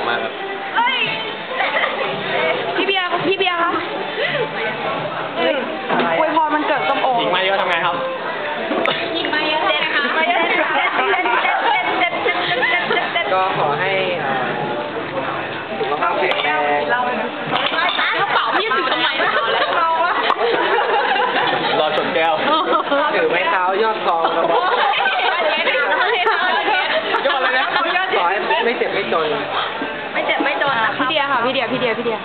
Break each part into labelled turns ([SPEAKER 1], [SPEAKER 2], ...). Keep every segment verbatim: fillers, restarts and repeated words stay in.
[SPEAKER 1] มากครับ
[SPEAKER 2] พี่เบียร์พี่เบียร์คะอวยพรมันเกิดส้มโอ
[SPEAKER 1] หญิงมาเยอะทำไงครับ
[SPEAKER 2] หญิงมาเยอะเด็ดค่ะมาเยอะเด็ดเด็ดเด็ดเด็ดเด็ดเด็ดเด็ดเด็ดเด็ดเด็ดเด็ด
[SPEAKER 3] ก็ขอให้สุขภาพแข็งแรง
[SPEAKER 2] กระเป๋าพี่ถือทำไมเราอะ
[SPEAKER 1] รอชนแก้ว
[SPEAKER 3] ถือไม้เท้ายอดทองกระบอก
[SPEAKER 1] ยอดเลยนะ
[SPEAKER 3] ขอให้ไม่เจ็บไม่จน
[SPEAKER 2] ไม่เจ็บไม่จนพี่เดียค่ะพี่เดียพี่เดียพี่เดีย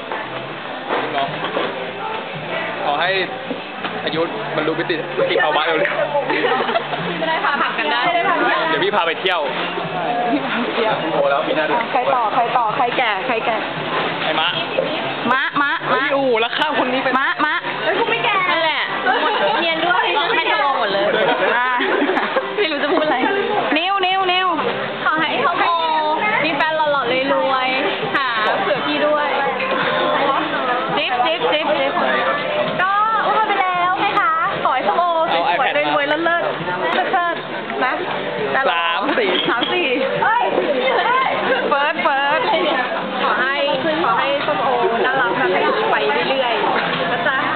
[SPEAKER 1] ขอให้อายุบรรลุมิติมิติภาวะเร็ว
[SPEAKER 2] ๆจะได้พาผักกันได้
[SPEAKER 1] เดี๋ยวพี่พาไปเที่ยวโอ้แล้วมีหน้าดู
[SPEAKER 2] ใครต่อใครต่อใครแก่ใครแก่
[SPEAKER 1] ไอ้มะ
[SPEAKER 2] มะมะมะ
[SPEAKER 1] โอ้แล้วข้ามคนนี้ไป
[SPEAKER 2] มะมะเอ้ยกูไม่แก่นั่นแหละเนียนด้วยไม่จะลงหมดเลยไม่รู้จะพูดอะไรนิ้วนิ้วนิ้วขอให้เขาโอมีแฟนหล่อๆรวยๆหาเผื่อพี่ด้วยจิ๊บจิ๊บจิ๊บจิ๊บก็พูดไปแล้วไงคะขอให้เขาโอสวยๆรวยๆเลิศๆเลิศๆนะ
[SPEAKER 1] สามสี่
[SPEAKER 2] สามสี่เฮ้ยเฟิร์สเฟิร์สขอให้ขอให้ส้มโอน่ารักน่ารักไปเรื่อยๆนะจ๊ะ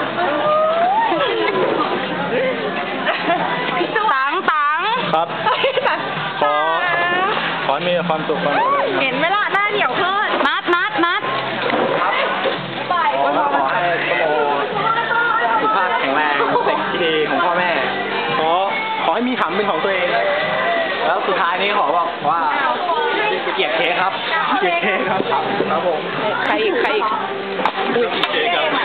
[SPEAKER 2] ตังตัง
[SPEAKER 1] ครับขอขอให้มีความสุขความ
[SPEAKER 2] เห็นไหมล่ะหน้าเหนียวขึ้นนัดนัดนัด
[SPEAKER 3] ครับขอขอให้ส้มโอสุขภาพแข็งแรงเด็กที่ดีของพ่อแม่ขอขอให้มีขำเป็นของตัวเองแล้วสุดท้ายนี้ขอบอกว่าเกียรติเค้กครับเกียรติเค้กครับครับผม
[SPEAKER 2] ใครอีกใครอีก
[SPEAKER 1] เค้กครับ